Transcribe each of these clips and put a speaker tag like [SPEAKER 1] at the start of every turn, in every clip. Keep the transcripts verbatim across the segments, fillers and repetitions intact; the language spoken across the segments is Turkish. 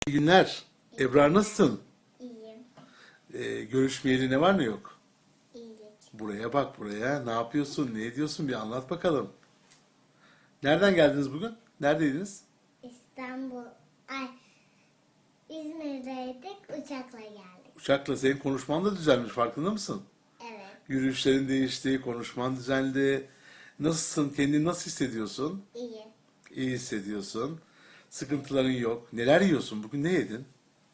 [SPEAKER 1] İyi günler. Ebrar nasılsın?
[SPEAKER 2] İyiyim.
[SPEAKER 1] Ee, görüşmeyeli ne var ne yok?
[SPEAKER 2] İyilik.
[SPEAKER 1] Buraya bak buraya. Ne yapıyorsun? Ne ediyorsun? Bir anlat bakalım. Nereden geldiniz bugün? Neredeydiniz?
[SPEAKER 2] İstanbul. Ay, İzmir'deydik. Uçakla geldik.
[SPEAKER 1] Uçakla senin konuşman da düzelmiş. Farkında mısın?
[SPEAKER 2] Evet.
[SPEAKER 1] Yürüyüşlerin değişti, konuşman düzeldi. Nasılsın? Kendini nasıl hissediyorsun?
[SPEAKER 2] İyi.
[SPEAKER 1] İyi hissediyorsun. Sıkıntıların yok. Neler yiyorsun? Bugün ne yedin?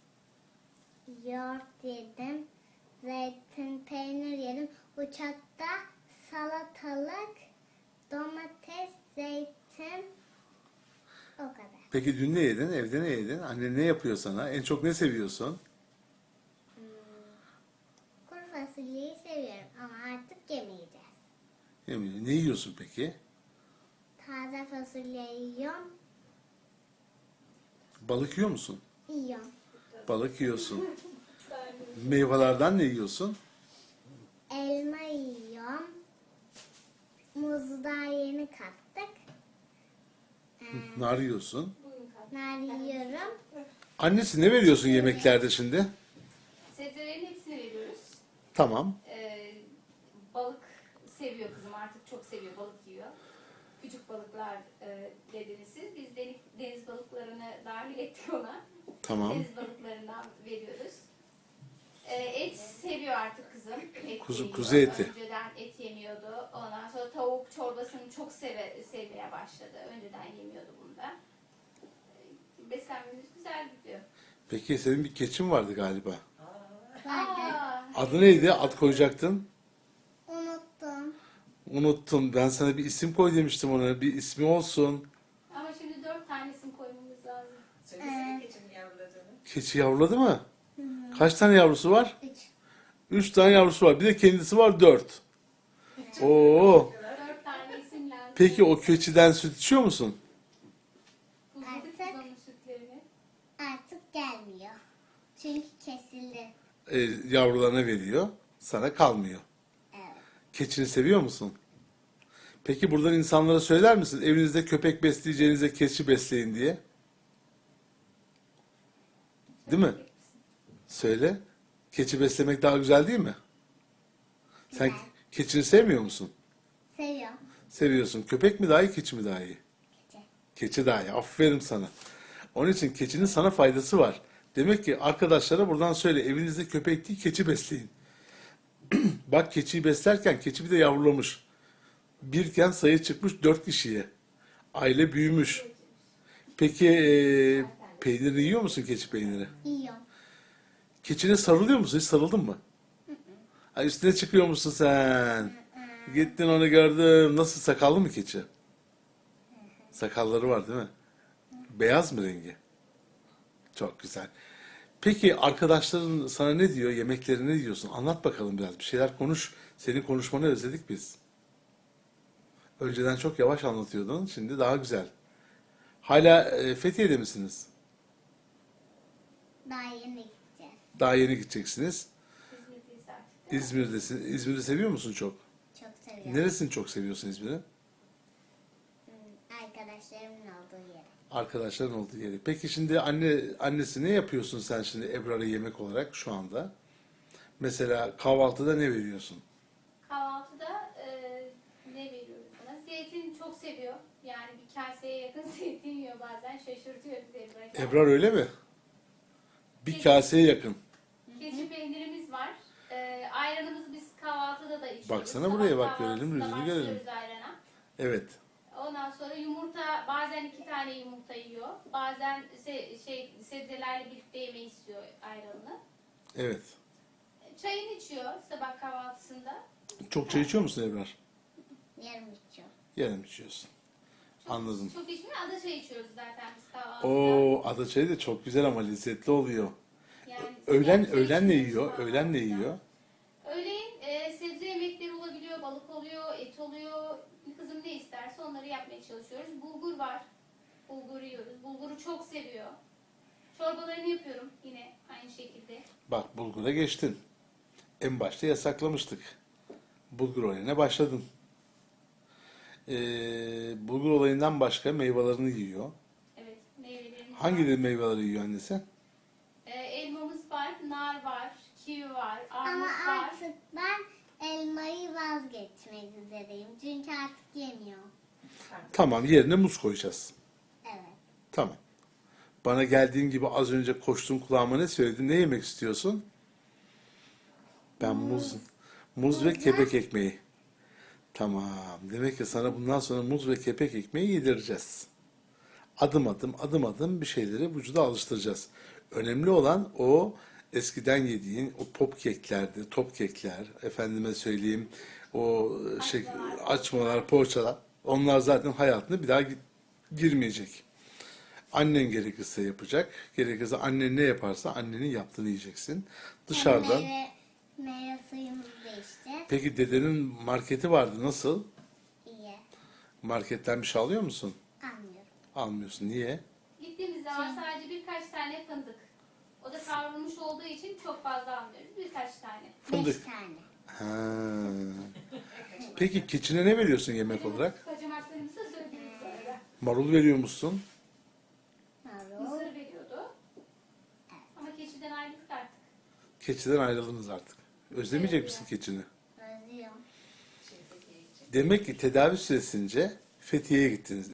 [SPEAKER 2] Yoğurt yedim. Zeytin, peynir yedim. Uçakta salatalık, domates, zeytin. O kadar.
[SPEAKER 1] Peki dün ne yedin? Evde ne yedin? Annen ne yapıyor sana? En çok ne seviyorsun?
[SPEAKER 2] Kuru fasulyeyi seviyorum ama artık yemeyeceğiz.
[SPEAKER 1] Eminim. Ne yiyorsun peki?
[SPEAKER 2] Taze fasulye yiyorum.
[SPEAKER 1] Balık yiyor musun?
[SPEAKER 2] Yiyorum.
[SPEAKER 1] Balık yiyorsun. Meyvelerden ne yiyorsun?
[SPEAKER 2] Elma yiyorum. Muzu daha yeni kattık. Ee,
[SPEAKER 1] Nar yiyorsun.
[SPEAKER 2] nar yiyorum.
[SPEAKER 1] Annesi ne veriyorsun yemeklerde şimdi?
[SPEAKER 3] Sebzelerin hepsini veriyoruz.
[SPEAKER 1] Tamam.
[SPEAKER 3] Ee, balık seviyor kızım, artık çok seviyor, balık yiyor. Küçük balıklar e, dediniz siz. Biz deniz, deniz balıklarını dahil ettik ona.
[SPEAKER 1] Tamam.
[SPEAKER 3] Deniz balıklarından veriyoruz. Ee, et seviyor artık kızım. Et
[SPEAKER 1] Kuzu-
[SPEAKER 3] yiyor.
[SPEAKER 1] kuzu eti.
[SPEAKER 3] Önceden et yemiyordu. Ondan sonra tavuk çorbasını çok seve, sevmeye başladı. Önceden yemiyordu bunu da. Ee, Beslenmemiz güzel gidiyor.
[SPEAKER 1] Peki senin bir keçin vardı galiba.
[SPEAKER 3] Aa,
[SPEAKER 1] Adı neydi? Ad koyacaktın.
[SPEAKER 2] Unuttum.
[SPEAKER 1] Unuttum. Ben sana bir isim koy demiştim ona. Bir ismi olsun.
[SPEAKER 3] ama şimdi dört tane isim koymamız lazım.
[SPEAKER 4] Söylesene keçinin yavruladığını.
[SPEAKER 1] Keçi yavruladı mı? Kaç tane yavrusu var?
[SPEAKER 2] Üç.
[SPEAKER 1] Üç tane yavrusu var. Bir de kendisi var dört. Oo.
[SPEAKER 3] Dört tane isim lazım.
[SPEAKER 1] Peki o keçiden süt içiyor musun?
[SPEAKER 3] Buzladık
[SPEAKER 2] Artık-
[SPEAKER 3] biz onun sütlerini.
[SPEAKER 2] Artık gelmiyor. Çünkü kesildi.
[SPEAKER 1] Ee, yavrularına veriyor. Sana kalmıyor.
[SPEAKER 2] Evet.
[SPEAKER 1] Keçini seviyor musun? Peki buradan insanlara söyler misin? Evinizde köpek besleyeceğinize keçi besleyin diye. Değil mi? Söyle. Keçi beslemek daha güzel değil mi? Sen
[SPEAKER 2] Güzel.
[SPEAKER 1] keçini sevmiyor musun?
[SPEAKER 2] Seviyorum.
[SPEAKER 1] Seviyorsun. Köpek mi daha iyi, keçi mi daha iyi?
[SPEAKER 2] Keçi.
[SPEAKER 1] Keçi daha iyi. Aferin sana. Onun için keçinin sana faydası var. Demek ki arkadaşlara buradan söyle. Evinizde köpek değil, keçi besleyin. Bak keçiyi beslerken keçi bir de yavrulamış. Birken sayı çıkmış dört kişiye. Aile büyümüş. Peki e, peynirini yiyor musun, keçi peyniri?
[SPEAKER 2] Yiyorum.
[SPEAKER 1] Keçine sarılıyor musun? Hiç sarıldın mı? Ha, üstüne çıkıyor musun sen? Gittin onu gördüm. Nasıl, sakallı mı keçi? Sakalları var değil mi? Beyaz mı rengi? Çok güzel. Peki arkadaşların sana ne diyor? Yemekleri ne diyorsun? Anlat bakalım biraz. Bir şeyler konuş. Senin konuşmanı özledik biz. Önceden çok yavaş anlatıyordun. Şimdi daha güzel. Hala e, Fethiye'de misiniz?
[SPEAKER 2] Daha yeni gideceğiz.
[SPEAKER 1] Daha yeni gideceksiniz.
[SPEAKER 3] İzmir'deyiz artık.
[SPEAKER 1] İzmir'desin. İzmir'i seviyor musun çok?
[SPEAKER 2] Çok seviyorum.
[SPEAKER 1] Neresini çok seviyorsun İzmir'in?
[SPEAKER 2] Hmm, Arkadaşlarımın olduğu yere.
[SPEAKER 1] Arkadaşların olduğu yeri. Peki şimdi anne annesi ne yapıyorsun sen şimdi Ebrar'a yemek olarak şu anda? Mesela kahvaltıda ne veriyorsun?
[SPEAKER 3] Kahvaltıda e, ne veriyoruz ona? Zeytin çok seviyor. Yani bir kaseye yakın zeytin yiyor bazen. Şaşırtıyor bizi böyle.
[SPEAKER 1] Ebrar öyle mi? Bir kaseye yakın.
[SPEAKER 3] Keçi peynirimiz var. E, ayranımızı biz kahvaltıda da içiyoruz.
[SPEAKER 1] Baksana buraya, bak,
[SPEAKER 3] Sabah
[SPEAKER 1] görelim,
[SPEAKER 3] kahvaltısında
[SPEAKER 1] yüzünü görelim.
[SPEAKER 3] başlıyoruz ayrana.
[SPEAKER 1] Evet.
[SPEAKER 3] Ondan sonra yumurta, bazen iki tane yumurta yiyor. Bazen se- şey sebzelerle birlikte yemeği istiyor ayranını.
[SPEAKER 1] Evet.
[SPEAKER 3] Çayını içiyor sabah kahvaltısında.
[SPEAKER 1] Çok çay içiyor musun Ebrar?
[SPEAKER 2] Yarım içiyorum.
[SPEAKER 1] Yarım içiyorsun.
[SPEAKER 3] Çok,
[SPEAKER 1] Anladım.
[SPEAKER 3] Çok içmiyor. Ada çayı içiyoruz zaten biz kahvaltıda.
[SPEAKER 1] Oo, ada çayı da çok güzel ama lezzetli oluyor.
[SPEAKER 3] Yani
[SPEAKER 1] Öğlen
[SPEAKER 3] sıcak çay
[SPEAKER 1] öğlen ne
[SPEAKER 3] içiyoruz
[SPEAKER 1] yiyor?
[SPEAKER 3] kahvaltıda.
[SPEAKER 1] Öğlen ne yiyor?
[SPEAKER 3] Öğleyin e, sebze yemekleri olabiliyor, balık oluyor, et oluyor. Kızım ne isterse onları yapmaya çalışıyoruz. Bulgur var. Bulgur yiyoruz. Bulguru çok seviyor. Çorbalarını yapıyorum yine aynı şekilde.
[SPEAKER 1] Bak, bulgura geçtin. En başta yasaklamıştık. Bulgur olayına başladın. Ee, bulgur olayından başka meyvelerini yiyor.
[SPEAKER 3] Evet, meyvelerimiz var.
[SPEAKER 1] Hangi meyveleri yiyor annesi?
[SPEAKER 3] nar var, kivi var,
[SPEAKER 2] Ama
[SPEAKER 3] armut var.
[SPEAKER 2] artık ben elmayı vazgeçmek üzereyim. Çünkü artık yemiyorum.
[SPEAKER 1] Tamam, yerine muz koyacağız.
[SPEAKER 2] Evet.
[SPEAKER 1] Tamam. Bana geldiğin gibi az önce koştuğun kulağıma ne söyledin? Ne yemek istiyorsun? Ben muz, muz ve kepek ekmeği. Tamam. Demek ki sana bundan sonra muz ve kepek ekmeği yedireceğiz. Adım adım, adım adım bir şeyleri vücuda alıştıracağız. Önemli olan o eskiden yediğin o pop keklerdi, top kekler, efendime söyleyeyim, o şey, açmalar, poğaçalar. Onlar zaten hayatına bir daha gi- girmeyecek. Annen gerekirse yapacak. Gerekirse annen ne yaparsa annenin yaptığını yiyeceksin. Dışarıdan.
[SPEAKER 2] Meyve, meyve suyumuzu da içeceğiz.
[SPEAKER 1] Peki dedenin marketi vardı. Nasıl?
[SPEAKER 2] İyi.
[SPEAKER 1] Marketten bir şey alıyor musun?
[SPEAKER 2] Anlıyorum.
[SPEAKER 1] Almıyorsun. Niye?
[SPEAKER 3] Gittiğimiz zaman sadece birkaç tane fındık. O da kavrulmuş olduğu için çok fazla almıyoruz. Birkaç tane.
[SPEAKER 1] Fındık.
[SPEAKER 2] Beş tane.
[SPEAKER 1] Ha. Peki keçine ne veriyorsun yemek olarak?
[SPEAKER 3] Kaçamaklarımızı söyleyeyim sonra.
[SPEAKER 1] Marul veriyor musun?
[SPEAKER 2] Marul.
[SPEAKER 3] Mısır veriyordu. Ama keçiden ayrıldık artık.
[SPEAKER 1] Keçiden ayrıldınız artık. Özlemeyecek misin keçini?
[SPEAKER 2] Özlüyorum.
[SPEAKER 1] Demek ki tedavi süresince Fethiye'ye gittiniz.